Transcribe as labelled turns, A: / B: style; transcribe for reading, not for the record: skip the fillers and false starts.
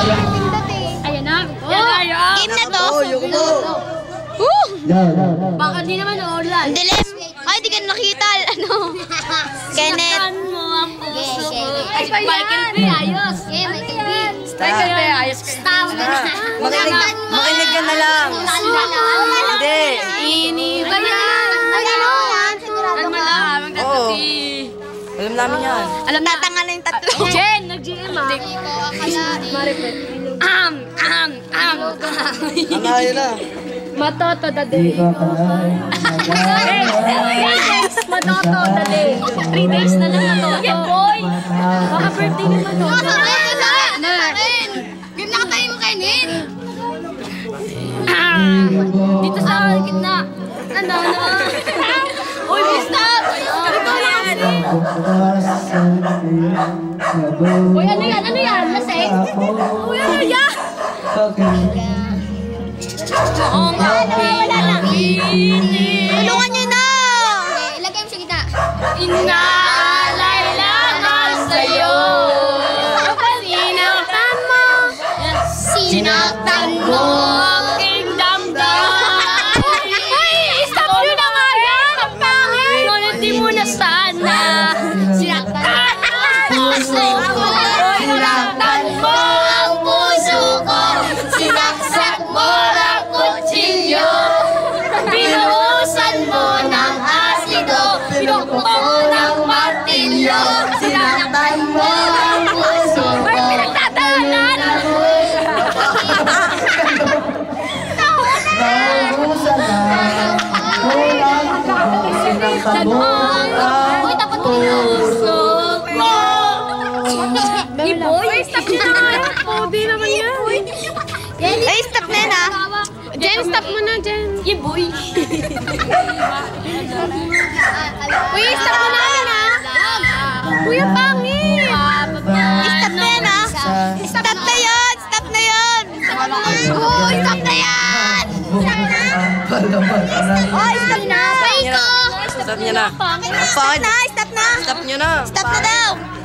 A: Ayan na. Game na to. Baka di naman uulan.
B: Dilim. Ay, di ka nakita. Ano? Kenneth.
A: Michael B. Ayos.
B: Michael B. Ayos.
C: Makinig ka na lang. Hindi.
A: Iniba yan.
C: Oo. Alam namin yan.
B: Alam natanga na yung tatlo.
A: Jen, nag-GM ah.
C: Ano yun na?
A: Matoto dade. Matoto dade. 3 days na lang matoto. Boy! Baka birthday ni Matoto.
B: Game na tayo mo kainin.
A: Dito sa gitna. Ano? Uy, stop! Ito lang. Uy, ano yan? Ano yan? Lasing? Uy, ano yan? Oo nga.
B: Wala na. Tulungan nyo na. Ilagay mo sa gitna.
A: Inaalay lang ako sa'yo. Sinaktan mo. Sinaktan mo. Aking damdamin. Uy, stop nyo na nga yan. Ang pangit. Ngunit di mo na sana. Sinaktan ang puso ko. Sinaktan mo ang puso ko. Sinaksak mo ang kutsilyo. Binuhusan mo ng asido. Pinukpok mo ng martilyo. Sinaktan mo ang puso ko. Ay, pinagtatahanan! Sinaktan mo ang puso ko. Iboy, stop nyo na nga. Di naman yan.
B: Ay, stop na yan ah.
A: Jen, stop mo na, Jen. Iboy.
B: Uy, stop mo na yan ah.
A: Kuya, pangit.
B: Stop na yan ah. Stop na yan. Stop na yan. Uy, stop na yan. Uy, stop na.
C: Stop niya na.
B: Stop na. Stop na.
C: Stop niyo na.
B: Stop na daw.